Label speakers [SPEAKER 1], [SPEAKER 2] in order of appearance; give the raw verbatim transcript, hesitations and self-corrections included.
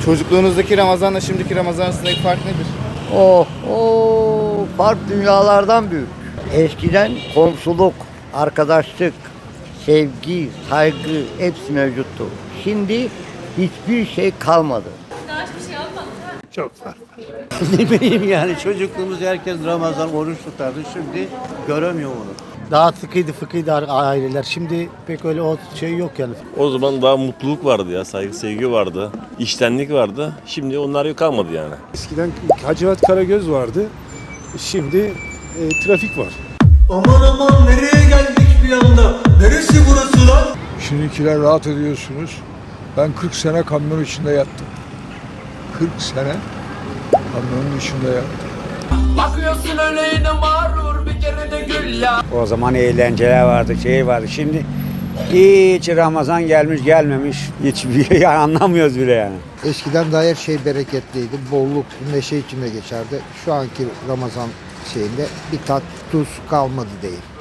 [SPEAKER 1] Çocukluğunuzdaki Ramazan'la şimdiki Ramazan arasındaki fark nedir?
[SPEAKER 2] Oh, oh, fark dünyalardan büyük. Eskiden komşuluk, arkadaşlık, sevgi, saygı hepsi mevcuttu. Şimdi hiçbir şey kalmadı.
[SPEAKER 3] Çok farklı.
[SPEAKER 4] Ne bileyim yani çocukluğumuzda herkes Ramazan oruç tutardı. Şimdi göremiyor onu.
[SPEAKER 3] Daha sıkıydı fıkıydı aileler. Şimdi pek öyle o şey yok yani.
[SPEAKER 5] O zaman daha mutluluk vardı ya, saygı sevgi vardı, içtenlik vardı. Şimdi onlar yok kalmadı yani.
[SPEAKER 6] Eskiden Hacivat Karagöz vardı. Şimdi e, trafik var.
[SPEAKER 7] Aman aman nereye geldik bir anda? Neresi burası lan?
[SPEAKER 8] Şimdikiler rahat ediyorsunuz. Ben kırk sene kamyon içinde yattım. kırk sene kamyonun içinde yattım.
[SPEAKER 7] Bakıyorsun öyle yine mağrur bir kere de gül ya.
[SPEAKER 9] O zaman eğlenceler vardı, şey vardı. Şimdi hiç Ramazan gelmiş gelmemiş hiçbir şey anlamıyoruz bile yani.
[SPEAKER 10] Eskiden daha her şey bereketliydi. Bolluk, neşe içinde geçerdi. Şu anki Ramazan şeyinde bir tat, tuz kalmadı değil.